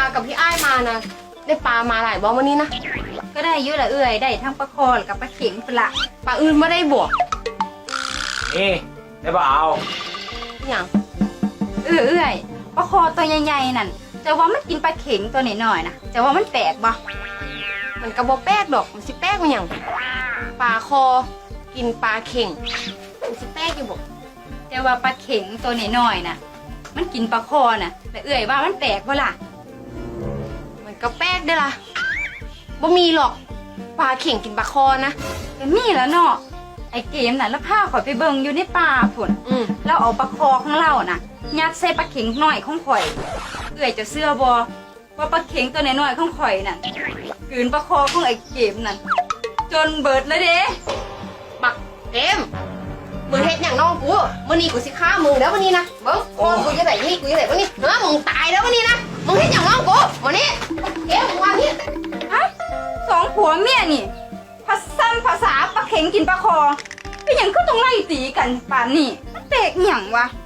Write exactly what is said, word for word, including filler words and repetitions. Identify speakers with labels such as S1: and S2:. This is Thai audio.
S1: กับพี่อ้ายมานะได้ปลามาหลายบ่วันนี้นะ
S2: ก็ได้เยอะละเอื่อยได้ทั้งปลาคอกับปลาเข็งปละ
S1: ปลาอื่นไม่ได้บวก
S3: นี่ได้เปล่า
S1: อย่าง
S2: เออเอื่อยปลาคอตัวใหญ่ๆนั่นจะว่ามันกินปลาเข็งตัวหน่อยๆนะจะว่ามันแปลกบ่
S1: มันกระบอกแป๊กดอกมันสิแป๊กมันอย่างปลาคอกินปลาเข่งมันสิแป๊กอยู่บ่
S2: จะว่าปลาเข็งตัวหน่อยๆนะมันกินปลาคอน่ะแต่เอื่อยว่ามันแปลกบ่ล่ะ
S1: มันก็แป๊กได้ล่ะบ่มีหรอกปลาเข่งกินปลาคอนะ
S2: แต่มีแล้วเนาะไอเกมน่ะแล้วพาข่อยไปเบิ่งอยู่ในป่าพุ่น
S1: อืม
S2: แล้วเอาปลาคอของเราน่ะยัดใส่ปลาเข็งน้อยของข่อยเอื่อยจะเสื้อบ่ว่าปลาเข็งตัวน้อยๆของข่อยนั่นกลืนปลาคอของไอเกมนั่นจนเบิดเลยเด้
S1: บักเกมมึงเฮ็ดอย่างน้องกูมื้อนี้กูสิฆ่ามึงแล้ววันนี้นะเบิ่งคอกูจะได้นี่กูจะได้วันนี้เฮ้อมึงตายแล้ววันนี้นะมึงเฮ็ดอย่างน้องกูวันนี้เกมมึงว่านี่
S2: ฮะสองผัวเมียนี่ภาษาภาษาปลาเข็งกินปลาคอเป็นหยังก็ต้องไล่ตีกันป่านนี้มันแปลกหยังวะ